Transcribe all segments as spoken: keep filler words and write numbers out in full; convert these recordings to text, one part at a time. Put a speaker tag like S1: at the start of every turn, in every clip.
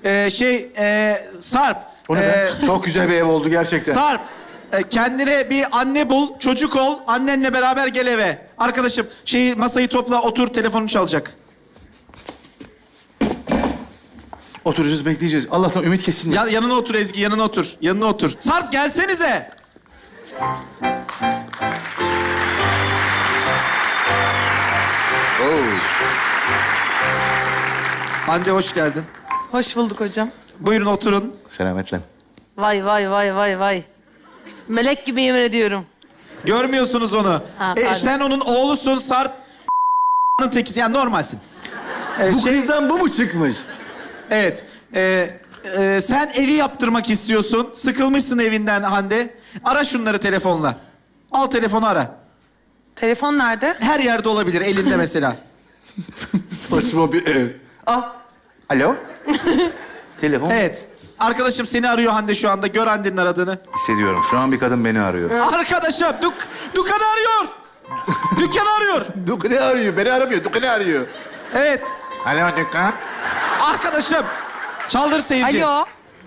S1: Ee, şey, e, Sarp.
S2: O ne
S1: e,
S2: be? Çok güzel bir ev oldu gerçekten.
S1: Sarp, e, kendine bir anne bul, çocuk ol. Annenle beraber gel eve. Arkadaşım, şeyi masayı topla, otur, telefonun çalacak.
S2: Oturacağız, bekleyeceğiz. Allah'tan ümit kesilmesin.
S1: Ya, yanına otur Ezgi, yanına otur. Yanına otur. Sarp gelsenize.
S2: Oo.
S1: Hande hoş geldin.
S3: Hoş bulduk hocam.
S1: Buyurun oturun.
S2: Selametle.
S4: Vay vay vay vay vay. Melek gibi yemin ediyorum.
S1: Görmüyorsunuz onu.
S4: Ha,
S1: e,
S4: pardon.
S1: sen onun oğlusun Sarp. tekisi, yani normalsin. E,
S2: Bu
S1: şey,
S2: krizden bu mu çıkmış?
S1: evet. E, e, sen evi yaptırmak istiyorsun. Sıkılmışsın evinden Hande. Ara şunları telefonla. Al telefonu ara.
S3: Telefon nerede?
S1: Her yerde olabilir, elinde mesela.
S2: Saçma bir ev. Ah. Alo. Telefon.
S1: Evet. Arkadaşım seni arıyor Hande şu anda. Gör Hande'nin aradığını.
S2: Hissediyorum. Şu an bir kadın beni arıyor.
S1: Arkadaşım, dük dükkanı arıyor. Dükkanı arıyor.
S2: Dükkanı arıyor. Beni aramıyor. Dükkanı arıyor.
S1: Evet.
S2: Alo dükkan.
S1: Arkadaşım. Çaldır seyirci.
S3: Alo.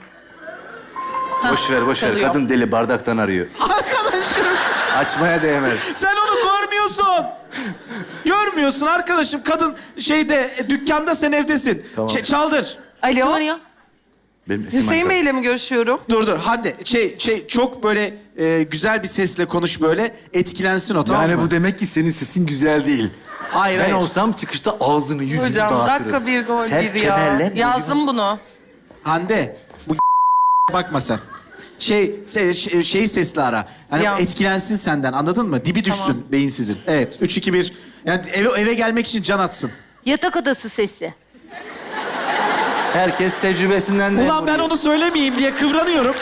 S2: Boş ver, boş ver.
S3: çalıyor.
S2: Kadın deli bardaktan arıyor.
S1: Arkadaşım.
S2: Açmaya değmez.
S1: Sen onu görmüyorsun. Görmüyorsun arkadaşım. Kadın şeyde, e, dükkanda, sen evdesin.
S2: Tamam.
S1: Şey, çaldır.
S4: Kim
S3: Alo.
S4: arıyor?
S2: Benim eski
S3: Hüseyin
S2: manitam.
S3: Bey'le mi görüşüyorum?
S1: Dur dur Hande. Şey şey çok böyle e, güzel bir sesle konuş böyle. Etkilensin o, tamam
S2: Yani
S1: mı?
S2: bu demek ki senin sesin güzel değil.
S1: Hayır
S2: Ben
S1: hayır.
S2: olsam çıkışta ağzını yüzünü
S3: Hocam
S2: dağıtırım.
S3: dakika bir gol
S2: Sert
S3: bir ya.
S2: kemerle
S3: Yazdım bunu.
S1: Hande. Bu bakma sen. Şey, şey şeyi sesli ara. Hani
S3: Ya.
S1: etkilensin senden, anladın mı? Dibi düşsün
S3: Tamam.
S1: beyinsizin. Evet. Üç, iki, bir. Yani eve, eve gelmek için can atsın.
S4: Yatak odası sesi.
S2: Herkes tecrübesinden de...
S1: Ulan ben onu söylemeyeyim diye kıvranıyorum.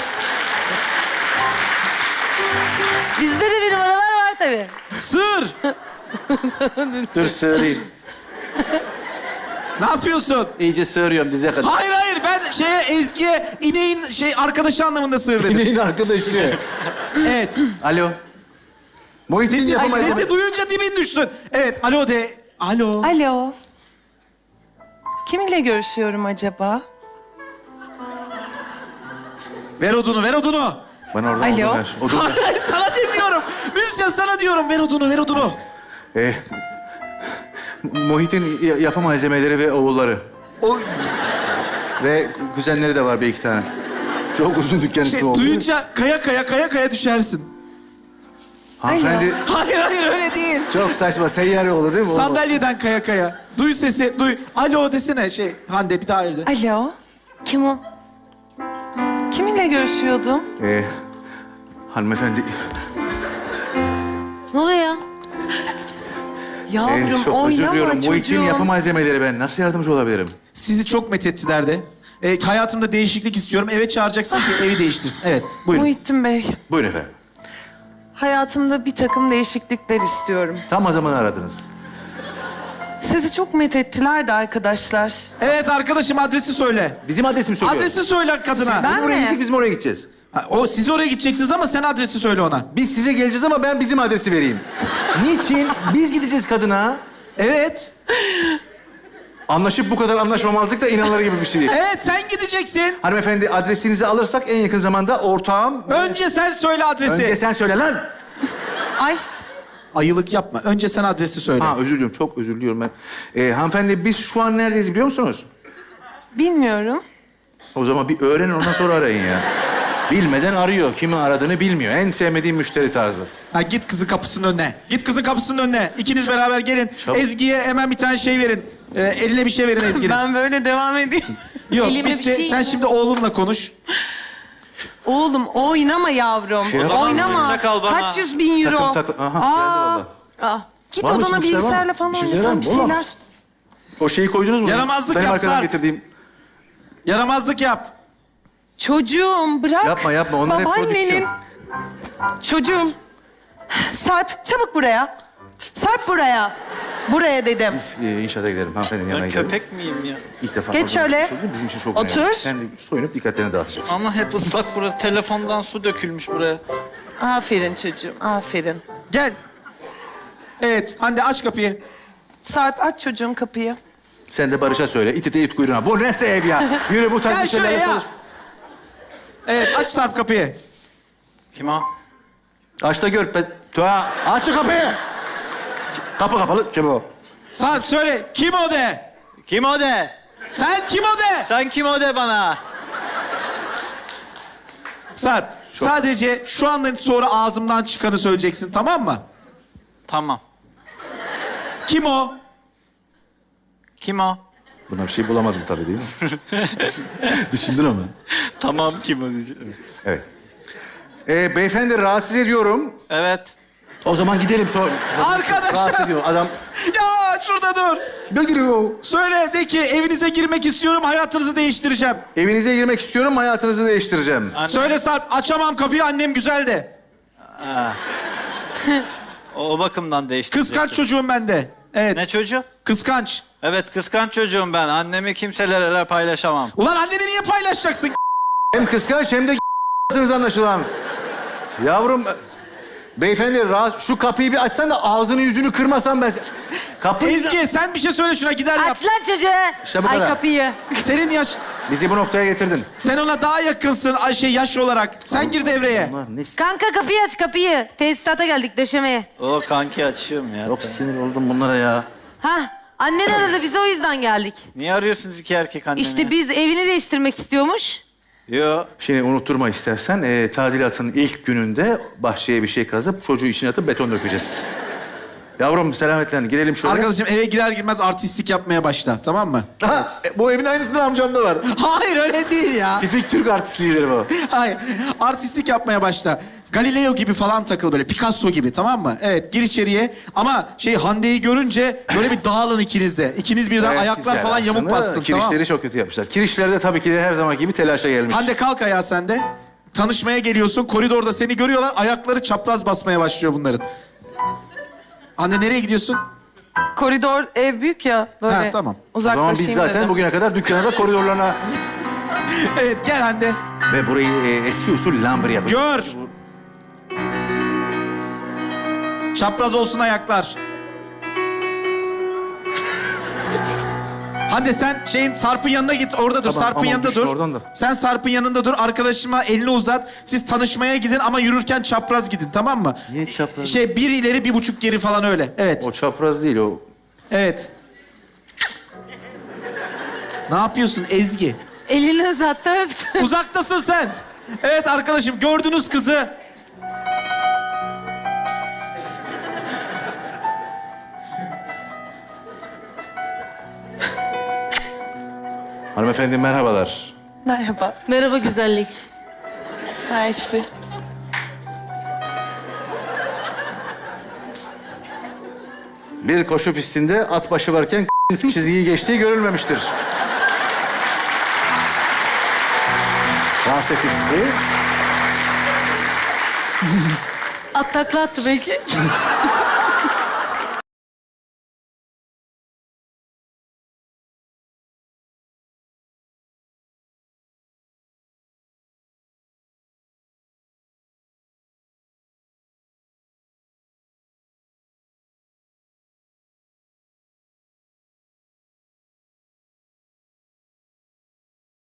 S4: Bizde de bir numaralar var tabii.
S1: Sığır.
S2: Dur sığırayım.
S1: Ne yapıyorsun?
S2: İyice sığırıyorum dize kadar.
S1: Hayır hayır, ben şeye Ezgi'ye ineğin şey arkadaşı anlamında sığır dedim.
S2: İneğin arkadaşı.
S1: Evet.
S2: Alo. Muhittin
S1: Sesi,
S2: yapamayız.
S1: sesi duyunca dibin düşsün. Evet. Alo de. Alo.
S3: Alo. Kiminle görüşüyorum acaba?
S1: Ver odunu, ver odunu.
S2: Bana oradan
S3: Alo.
S2: odun ver. Odun ver.
S1: Hayır, hayır, sana demiyorum. Müzisyen sana diyorum. Ver odunu, ver odunu.
S2: Ee, Muhit'in ya- yapı malzemeleri ve oğulları.
S1: O
S2: Ve kuzenleri de var bir iki tane. Çok uzun dükkan
S1: şey,
S2: ismi oldu.
S1: duyunca kaya kaya kaya kaya düşersin.
S2: Hanımefendi
S1: Hayır hayır, öyle değil.
S2: çok saçma seyyar oldu değil mi?
S1: Sandalyeden kaya kaya. Duy sesi, duy. Alo desene şey. Hande bir daha öyle.
S3: Alo.
S4: Kim o?
S3: Kiminle görüşüyordum?
S2: Ee, hanımefendi...
S4: Ne oluyor ya?
S3: Yavrum
S2: Ee, çok özür
S3: oynama
S2: diliyorum. Muhit'in
S3: çocuğum.
S2: yapı malzemeleri ben. Nasıl yardımcı olabilirim?
S1: Sizi çok methettiler de. E, hayatımda değişiklik istiyorum. Eve çağıracaksın ki evi değiştirsin. Evet, buyurun.
S3: Muhittin Bey,
S2: Buyurun efendim.
S3: hayatımda bir takım değişiklikler istiyorum.
S2: Tam adamını aradınız.
S3: Sizi çok methettiler de arkadaşlar.
S1: Evet arkadaşım, adresi söyle.
S2: Bizim adresimi söylüyor.
S1: Adresi söyle kadına.
S3: Ben
S2: Biz oraya
S3: mi?
S2: gidecek, biz mi oraya gideceğiz?
S1: Ha, o siz oraya gideceksiniz ama sen adresi söyle ona.
S2: Biz size geleceğiz ama ben bizim adresi vereyim. Niçin? Biz gideceğiz kadına.
S1: Evet.
S2: Anlaşıp bu kadar anlaşmamazlık da inanılır gibi bir şey.
S1: Evet, sen gideceksin.
S2: Hanımefendi adresinizi alırsak en yakın zamanda ortağım...
S1: Önce sen söyle adresi.
S2: Önce sen söyle lan.
S3: Ay
S1: Ayılık yapma. Önce sen adresi söyle.
S2: Ha özür diliyorum, çok özür diliyorum ben. Ee, hanımefendi biz şu an neredeyiz biliyor musunuz?
S3: bilmiyorum.
S2: O zaman bir öğrenin ondan sonra arayın ya. Bilmeden arıyor. Kimi aradığını bilmiyor. En sevmediğim müşteri tarzı.
S1: Ha, git kızın kapısının önüne. Git kızın kapısının önüne. İkiniz beraber gelin.
S2: Çabuk.
S1: Ezgi'ye hemen bir tane şey verin. Ee, eline bir şey verin Ezgi'nin.
S3: Ben böyle devam edeyim.
S1: Yok,
S4: Elime bir
S1: bitti.
S4: şey-
S1: Sen şimdi oğlunla konuş.
S3: Oğlum oynama yavrum.
S2: Şey yapma.
S3: oynama.
S5: Oyuncak al bana.
S3: Kaç yüz bin euro.
S2: Takım takım. Aha geldi
S3: Aa,
S2: valla.
S4: Aa,
S3: git
S2: Var mı
S3: odana
S2: içinde bir şeyler var mı?
S3: bilgisayarla falan
S2: İçinde şeyler var
S3: oynasan bir
S2: mı? Oğlum.
S3: şeyler.
S2: O şeyi koydunuz mu?
S1: Yaramazlık
S2: Benim
S1: yap,
S2: arkadan
S1: Sarp.
S2: getirdiğim.
S1: Yaramazlık yap.
S3: Çocuğum bırak.
S2: Yapma, yapma. Onlar hep
S3: Babaannenin.
S2: prodüksiyon.
S3: Çocuğum. Sarp çabuk buraya. Sarp buraya. Buraya dedim.
S2: Biz e, inşaata gidelim. Hanımefendinin yanına
S5: Ben
S2: gidelim.
S5: köpek miyim ya?
S2: İlk defa
S3: Geç
S2: fazla
S3: şöyle.
S2: bir şey oldu. Bizim için çok
S3: Otur.
S2: önemli. Sen de soyunup dikkatlerini dağıtacaksın.
S5: Ama hep ıslak burası. Telefondan su dökülmüş buraya.
S3: Aferin çocuğum, aferin.
S1: Gel. Evet, Hande aç kapıyı.
S3: Sarp aç çocuğum kapıyı.
S2: Sen de Barış'a söyle. İt ite it kuyruğuna. Bu neyse ev ya. Yürü bu tarz
S1: Gel
S2: bir şeylerle
S1: şuraya.
S2: konuş.
S1: Evet aç Sarp kapıyı.
S5: Kim o?
S2: Aç da gör. Pe- Tuğa. Aç şu kapıyı. Kapı kapalı. Kim o?
S1: Sarp söyle kim o de.
S5: Kim o de?
S1: Sen kim o de.
S5: Sen kim o de bana?
S1: Sarp sadece şu andan sonra ağzımdan çıkanı söyleyeceksin tamam mı?
S5: Tamam.
S1: Kim o?
S5: Kim o?
S2: Buna bir şey bulamadım tabii değil mi? Düşündün ama.
S5: Tamam kim o diyeceğim.
S2: Evet. Ee, beyefendi rahatsız ediyorum.
S5: Evet.
S2: O zaman gidelim sonra.
S1: Arkadaşlar.
S2: Rahatsız ediyorum. Adam.
S1: Ya şurada dur.
S2: Ne giriyor?
S1: Söyle de ki evinize girmek istiyorum hayatınızı değiştireceğim.
S2: Evinize girmek istiyorum, hayatınızı değiştireceğim.
S5: Anne,
S1: Söyle Sarp açamam kapıyı annem güzel de.
S5: O, o bakımdan değişti.
S1: Kıskanç çocuğum ben de. Evet.
S5: Ne çocuğu?
S1: Kıskanç.
S5: Evet kıskanç çocuğum ben. Annemi kimselerle paylaşamam.
S1: Ulan anneni niye paylaşacaksın?
S2: Hem kıskanç hem de anlaşılan. Yavrum, beyefendi rahatsız... Şu kapıyı bir açsan da ağzını yüzünü kırmasam ben... Kapıyı...
S1: Ezgi sen bir şey söyle şuna gider yap.
S4: Aç lan çocuğu.
S2: İşte bu
S4: Ay
S2: kadar.
S4: kapıyı.
S1: Senin yaş...
S2: Bizi bu noktaya getirdin.
S1: Sen ona daha yakınsın ay şey yaş olarak. Sen gir devreye.
S2: Bunlar ne...
S4: Kanka kapıyı aç kapıyı. Tesisata geldik döşemeye.
S5: O kanki açıyorum ya.
S2: Çok sinir oldum bunlara ya.
S4: Hah. Annen aradı bize o yüzden geldik.
S5: Niye arıyorsunuz iki erkek annemi?
S4: İşte biz evini değiştirmek istiyormuş.
S5: Yo.
S2: Şimdi unutturma istersen, e, tadilatın ilk gününde bahçeye bir şey kazıp çocuğu içine atıp beton dökeceğiz. Yavrum selametle girelim şöyle.
S1: Arkadaşım eve girer girmez artistlik yapmaya başla tamam mı?
S2: Ha, e, bu evin aynısından amcamda var.
S1: Hayır öyle değil ya.
S2: Tipik Türk artistliğidir bu.
S1: Hayır. Artistlik yapmaya başla. Galileo gibi falan takıl böyle. Picasso gibi tamam mı? Evet gir içeriye. Ama şey Hande'yi görünce böyle bir dağılın ikiniz de. İkiniz birden
S2: Gayet
S1: ayaklar
S2: güzel
S1: falan yamuk
S2: aslında.
S1: bassın
S2: Kirişleri
S1: tamam.
S2: çok kötü yapmışlar. Kirişler de tabii ki de her zamanki gibi telaşa gelmiş.
S1: Hande kalk ayağa sen de. Tanışmaya geliyorsun. Koridorda seni görüyorlar. Ayakları çapraz basmaya başlıyor bunların. Hande nereye gidiyorsun?
S3: Koridor ev büyük ya böyle.
S1: Ha, tamam.
S2: O zaman
S3: Uzaklaşayım
S2: biz zaten
S3: dedim.
S2: bugüne kadar dükkana da koridorlarına...
S1: Evet gel Hande.
S2: Ve burayı e, eski usul lambır yapacağız.
S1: Gör. Çapraz olsun ayaklar. Hande sen şeyin Sarp'ın yanına git orada dur.
S2: Tamam,
S1: Sarp'ın
S2: aman
S1: yanında
S2: düşme
S1: dur.
S2: oradan da.
S1: Sen Sarp'ın yanında dur. Arkadaşıma elini uzat. Siz tanışmaya gidin ama yürürken çapraz gidin tamam mı?
S2: Niye çapraz?
S1: Şey bir ileri bir buçuk geri falan öyle. Evet.
S2: O çapraz değil o.
S1: Evet. Ne yapıyorsun Ezgi?
S4: Elini uzattı öptü.
S1: Uzaktasın sen. Evet arkadaşım gördünüz kızı.
S2: Hanımefendi merhabalar.
S3: Merhaba.
S4: Merhaba güzellik.
S3: Mersi.
S2: Bir koşu pistinde at başı varken çizgiyi geçtiği görülmemiştir. Rahatsız ettik sizi.
S4: At takla attı belki.